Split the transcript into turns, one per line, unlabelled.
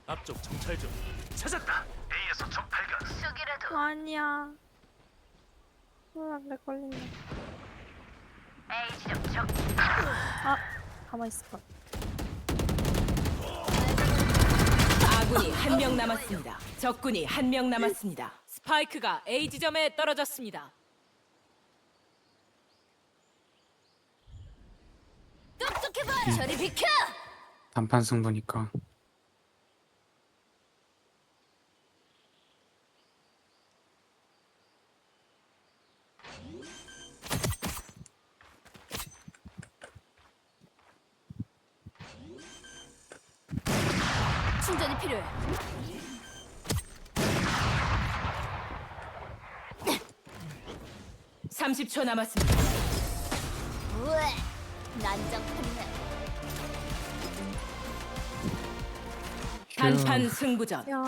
앞쪽 정찰 중. 찾았다. A에서 적 발견.
쑥이라도.
아니야. 내 걸린다.
A 지점 적.
아, 가만 있을 걸.
아군이 한 명 남았습니다. 적군이 한 명 남았습니다. 스파이크가 A 지점에 떨어졌습니다.
똑똑해봐. 저리 비켜.
단판 승부니까.
충전이 필요해.
30초 남았습니다.
우에. 난장판이네.
단판 승부전.
야.